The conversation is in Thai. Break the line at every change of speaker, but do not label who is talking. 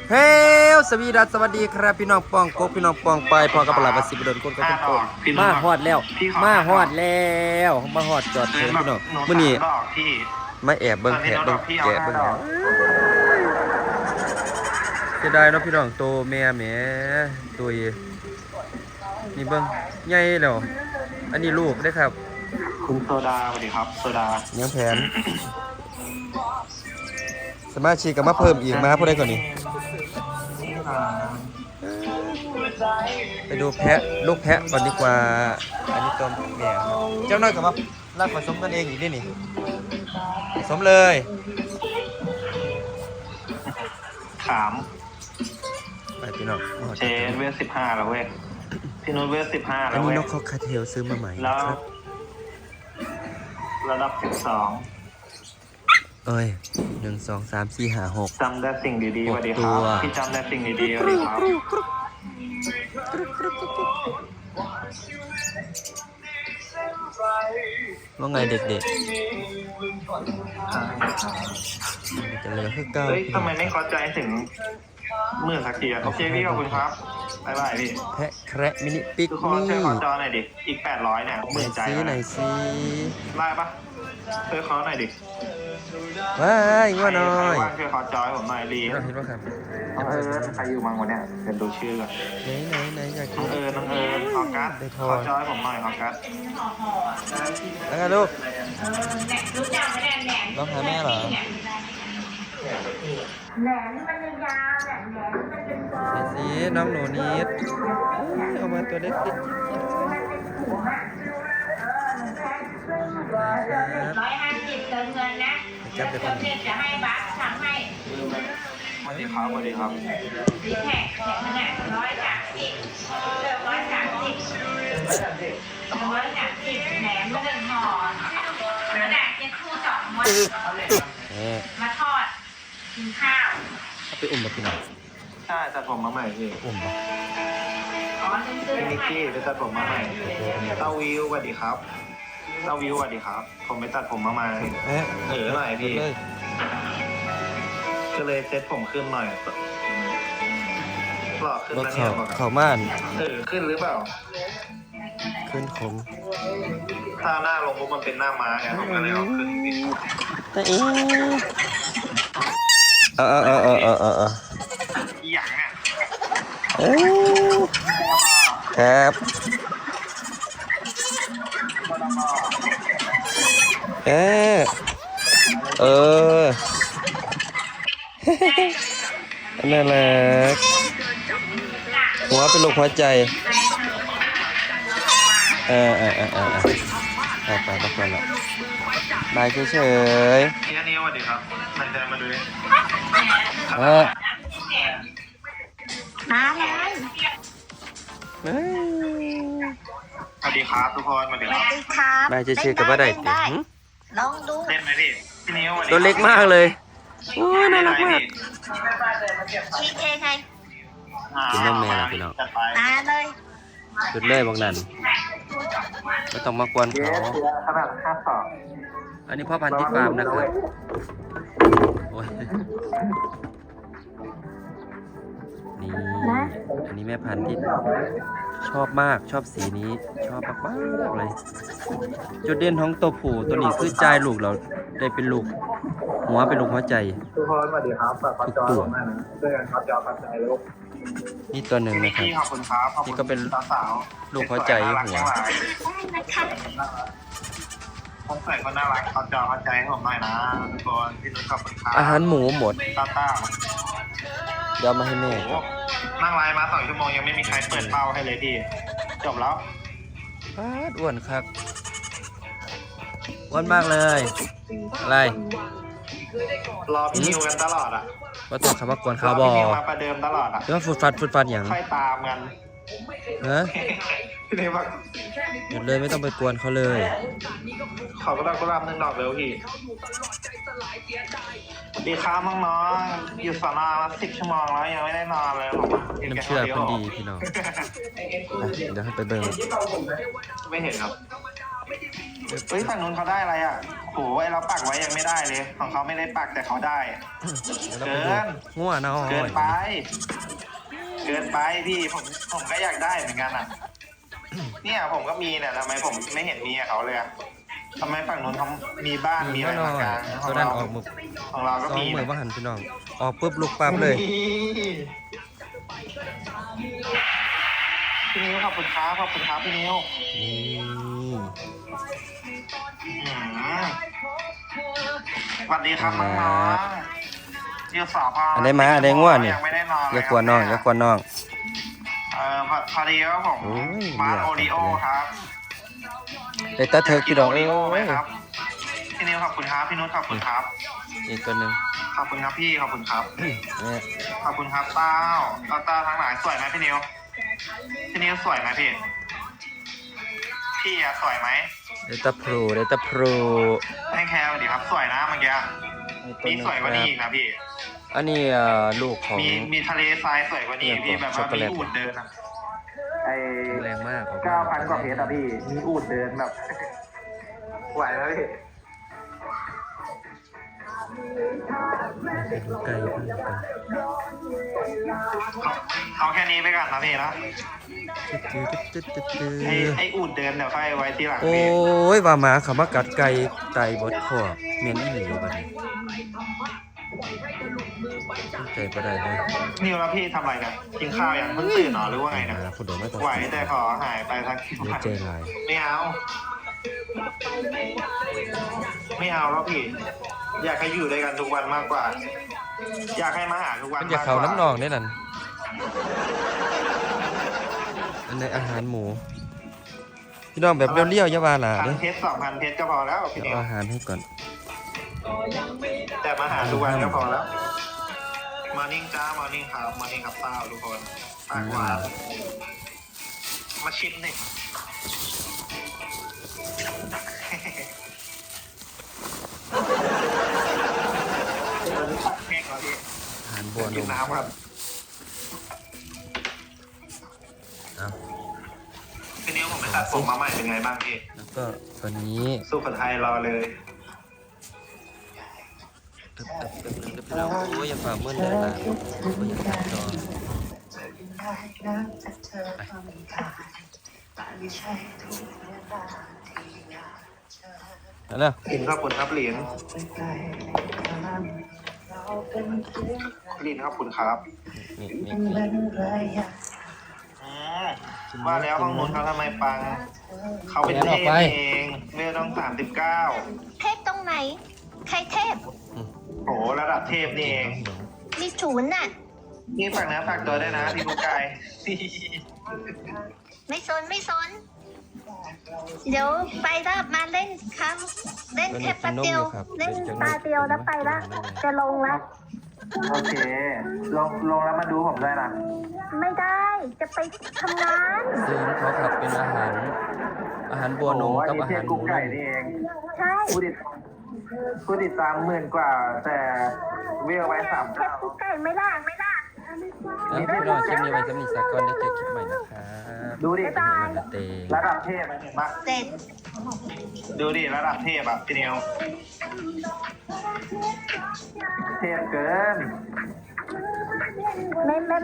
เฮ้ยสวัสดีครับพี่น้องปองกบพี่น้องปองไปพอกับปลาบสิบดนคนก็เป็นคนมาฮอดแล้วมาฮอดจอดเถินพี่น้องมื้อนี้มาแอบเบิ่งแผะเบิ่งแกะเบิ่งจะได้เนาะพี่น้องโตแม่แหมตัวนี่เบิ่งใหญ่แล้วอันนี้ลูกได้ครับ
คุณโซดาสวัสดีครับโซดา
เนื้อแผนสมาชิกก็มาเพิ่มอีกมาผู้ใดก่อนนี่ไปดูแพะลูกแพะก่อนดีกว่าอันนี้ตัวแม่ครับเจ้าน้อยกับมาลากผสมกันเองอีกนี่ผสมเลย
ขาม
ไปพี่น้อง
เชนเวล15แล้วเว้ยพี่นุชเวล15แล้วเว้ย
อันนี้นกเขาคาเทลซื้อมาใหม่ครับ
ระดับ12
เอ้ย1 2 3 4 5 6
จำได้สิ่งดีๆสวัสดีครับพี่จำได้สิ่งดีๆสวัสดีครับ
ว่าไงเด็กๆจะเลยคือเก้า
ทำไมไม่เข้าใจถึงมื่นสักทีโอเคพี่ขอบคุณครับบ๊ายบายพี่
แพะแคระมินิปิกนี่
ช่วยขอจอหน่อยดิอีก800เนี่ยหมื่นใจ
ไหนซี
ไล่ปะช่วยเขาหน่อยดิ
ว้ายว่าน้อย
ช่วยขอจอยผมหน่อยรี
เราเห็นว่าครับ
ใครอยู่มั่งวะเนี่ยเป็นดูชื่อก่อน
ไหนอยาก
น้องเอิญออกัสขอจอยผมหน่อยออกัส
แล้วกันลูกน้องหาแม่เหรอ
แหนมมันยาวแหนมมันเป็นตัว
ไหนสิน้องหนูนิดเอามาตัวเล็กๆ
150เติมเงินนะจะให้บัตรทำให้
สวัสดีครับสวัสดีครับ
ดีแท็กขนาด130เติม130แหนมมัน1ห่อขนาดจะคู่2ม้วนมาทอดกินข้าว
ไปอุ้มมาพี่น้อง
ใช่ตัดผมมาใหม่พี่
อุ้มป่ะ
พี่นิกกี้ไปตัดผมมาใหม่เต้าวิวสวัสดีครับเต้าวิวสวัสดีครับผมไปตัดผมมาใหม่หน่อยพี่ก็เลยเซ็ตผมขึ้นหน่อยหล่อขึ้นนะเนี่ย
เขาม่าน
ขึ้นหรือเปล่า
ขึ้นคง
ถ้าหน้าลงปุ๊บมันเป็นหน้าม้าไงผมก็เลยเอาขึ้นนิด
แต่เอง
อย่างเนี่ย
ครับน่ารักหัวเป็นลูกหัวใจไปพักผ่อนละบายเฉย
ๆนี่สวัสดีครับนายแจมาดูดิ
มาเลย
สวัสดีครับทุกคนสวัสดี
ครับ
บายเฉยๆกับว่าได้
ลองดู
เล่นไหมพี่นิ้ว
ตัวเล็กมากเลยโอ้ยน่ารักมาก
ชีสเองไง
กินนมแม่ละพี่น้อง
มาเลย
จุดเลยบางนั้นไม่ต้องมากวนเขาอันนี้พ่อพันธุ์ที่ฟาร์มนะครับโอ้ยนี่อันนี้แม่พันธุ์ที่ชอบมากชอบสีนี้ชอบมากเลยจุดเด่นของตัวผู้ตัวนี้คือใจลูกเราได้เป็นลูกหัวเป็นลูกหัวใจ
ทุกคนสวัสดีครับ
ทุกตัว
เพื่อนครับจอพัดใจลูก
นี่ตัวหนึ่งนะครับนี่ก็เป็นลูกหัวใจหัว
ผมใส่ก็น่ารักเขาจอพัดใจให้ผมหน่อยนะทุกคนพี่นุชขอบคุณครับ
อาหารหมูหมด
ต้า
เดี๋ยวมาให้แม่
นั่งไลน์มา2 ชั่วโมงยังไม่มีใครเปิดเป้าให้เลยพี่จบแล้ว
อ้วนครับอ้วนมากเลยอะไร
รอพี่นิวกันตลอดอ่ะ
ว่าตัวคำว่ากวนเขาบอ
มาประเดิมตลอดอ่ะ
แล้วฟุดฟันอย่าง
ค่อยตามกันพี่นิว
หยุดเลยไม่ต้องไปกวนเขาเลย
เขาก็รับ1 ดอกเร็วพี่ดีครับน้องๆอยู่สนมา10 ชั่วโมงแล้วยังไม่ได้นอนเลย
น้ำเชื่อคนดีพี่น้องเดี๋ยวให้ไปเบิ่ง
ไม่เห็นครับเฮ้ยฝั่งนู้นเขาได้อะไรอ่ะโหไอ้เราปักไว้ยังไม่ได้เลย ของเขาไม่ได้ปักแต่เขาได้
เดี๋ยวเราไปดูงัวน้อย
เกินไป เกินไปพี่ผมก็อยากได้เหมือนกันอ่ะ เนี่ยผมก็มีเนี่ยทำไมผมไม่เห็นมีกับเขาเลยอะทำไมฝั่งนู้นเขามีบ้านมีอะไร
น้อย
มากลางข
ตั
อ
ว
ง
นั้น
เรา
ออกมือ
ของเราก็
สอง
มี
มือ
นะ
ว่าหันพี่น้องออกปุ๊บลูกปั๊บเลย
พี่นิ้วขอบคุณครับพี่นิ้ว
นี่
อืมสวัสดีครับน้องๆอยู่สพ
อันได้มาอันได้ง่วนี่
ยังไม่ได้นอนเลย
อย่ากวนน้องอย่ากวนน้อง
พอดีว่าผม
โอ้ย
มา
เรียก
โอริโอครับ
ได้ตาเถิกพี่น้อง
โอ
เอ้
ริโอไหม
ย
ครับพี่นิ้วขอบคุณครับพี่นุชขอบคุณครับ
อีกตัวหนึ่ง
ขอบคุณครับพี่ขอบคุณครับ
เนี่ย
ขอบคุณครับเต้าทั้งหลายสวยไหมพี่นิวสวยไหมพี่อะสวยไหม
ได้ตาพลูได้ตาพลู
ให้แคร์สวัสดีครับสวยนะเมื่อกี้
อี
มี
ก
สวยกว่านี้อีกนะพี่
อันนี้ลูกของ
มีทะเลทรายสวยกว่านี้พี่แบบว่ามีอูฐเดินอะไอ
แรงมากออกมา
9,000 กว่าเพชรอะพี่มีอูฐเดินแบบไหวไหมพี่
ไก่เพิ่งไป
เอาแค่นี้ไปก่อนนะพี่นะ
จืด
ไออูฐเดินเดี๋ยวค่อยไว้ทีหลัง
โอ้
พี่
ยว่าหมาเขามากัดไก่ไตบดคอเมียนอีหลีบัดนี้ใจบ่ได้เลย
นิวแล้วพี่ทำอะไรเนี่ยกินข้าวยังเพิ่งตื่นเหรอหรือว่าไงเนี่ย
ผู้ใดมาตัด
ไหวแต่ขอหายไปสัก
เดี๋ยวใจลาย
ไม่เอาแล้วพี่ อยากให้อยู่ด้วยกันทุกวันมากกว่า อยากให้มาหาทุกวัน
มันจะ
มากก
เขา
ว่า
น้ำนองได้นั่นอันในอาหารหมูพี่น้องแบบเลี้ยวๆอย่าว่าหล่ะ
พั
เด้
น
อ
เพชร2,000 เพชรก็พอแล้วพี่
เดี๋ยว
นิว
เอาอาหารให้ก่อน
แต่มาหาทุกวันก็พอแล้วมอร์นิ่งจ้ามอร์นิ่งครับมอร์นิ่งครับเต้าทุกคนปากหวานมาชิมหน่อยแห้งแล้วพี่
อาหารบัวน
กิน
ม
น้ำครับ
เอา
พี่นิวผมไปตัดผมมาใหม่เป็นไงบ้างพี่
แล้วก็ตัวนี้
สู้กับไทยรอเลย
ตึ๊บพี่น้องโอ้ยอย่าฝ่ามืดเลยล่ะโอ้ยอย่าตัดจอไปแล้ว
กินขอบคุณครับเหรียญเหรียญขอบคุณครับ
นี่
ว่าแล้วห้องนู้นเขาทำไมปัง เขาเป็นเทพเองเวลต้อง39
เทพตรงไหน ใครเทพ
โหระดับเทพนี่เอง
มีศูนย์น่ะ
นี่ฝากนะฝากตัวด้วยนะพี่กุ๊กไก่
ไม่สนไม่สน เดี๋ยวไปแล้วมาเล่นครับ เล่นแค่แป๊บเดียว เล่นตาเดียวแล้วไปละจะลงละ
โอเค ลงแล้วมาดูผมด้วยนะ
ไม่ได้ จะไปทำงาน
ซึ่งเขาขับเป็นอาหารบัวนมกับอาหารหมู
กุ๊กไก่นี่เอง
ใช่
ผู้ติดตาม10,000 กว่า แต่เวลไว้
เทพกุ๊กไก่ไม่ล่ะไม่ล่ะ
แล้วพี่น้องคลิปนี้ไว้สำหรับสักก่อนได้เจอคลิปใหม่นะครับ
ดูดิ
บ๊ายบาย
เต
ระดับเทพเห็นปะ
เสร็จ
ดูดิระดับเทพอ่ะพี่นิวเทพเกิน
ไม่